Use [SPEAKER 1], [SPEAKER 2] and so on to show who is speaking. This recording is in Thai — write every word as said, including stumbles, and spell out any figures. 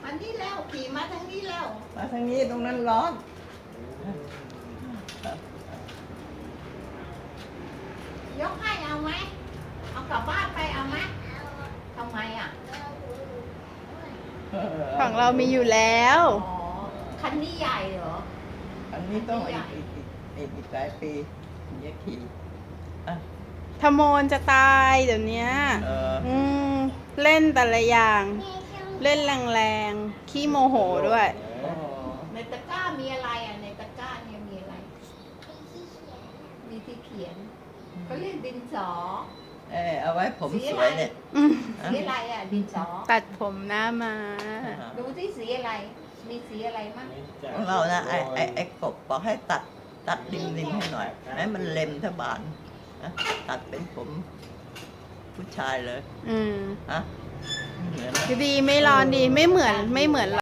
[SPEAKER 1] มันนี่แล้วขี่มาทางนี้แล้ว
[SPEAKER 2] มาทางนี้ตรงนั้นร้อน
[SPEAKER 1] ยกให้เอาไหมเอากลับบ้านไปเอาไหมทำไมอ่ะ
[SPEAKER 3] ของเรามีอยู่แล้ว
[SPEAKER 1] อ๋อคันนี้ใหญ่เหรอ
[SPEAKER 2] อันนี้ต้องอีกอีกอีกอีกอีกหลายปีถึงจะขี่อ่ะ
[SPEAKER 3] ทโมนจะตายเดี๋ยวนี้
[SPEAKER 2] เออ
[SPEAKER 3] อืมเล่นแต่ละอย่าง เล่นแรงๆ ขี้โมโหด้วย
[SPEAKER 2] โอ้
[SPEAKER 1] ในตะกร้ามีอะไรอ่ะในตะกร้าเนี่ยมีอะไร มีที่เขียนเขาเรียกดินสอ
[SPEAKER 2] เออเอาไว้ผมสวยเนี่ย
[SPEAKER 3] อืม
[SPEAKER 1] สีอะไรอ่ะดินสอ
[SPEAKER 3] ตัดผมหน้ามา
[SPEAKER 1] ดูที่สีอะไร มีสีอะไรมั่ง
[SPEAKER 2] ของเรานะไอ้ไอ้ไอ้กบบอกให้ตัดตัดริมริมให้หน่อยให้มันเล็มทบานนะตัดเป็นผมผู้ชายเลย
[SPEAKER 3] อืม
[SPEAKER 2] ฮะเหมือนไหม
[SPEAKER 3] ดีไม่ร้อนดีไม่เหมือนไม่เหมือน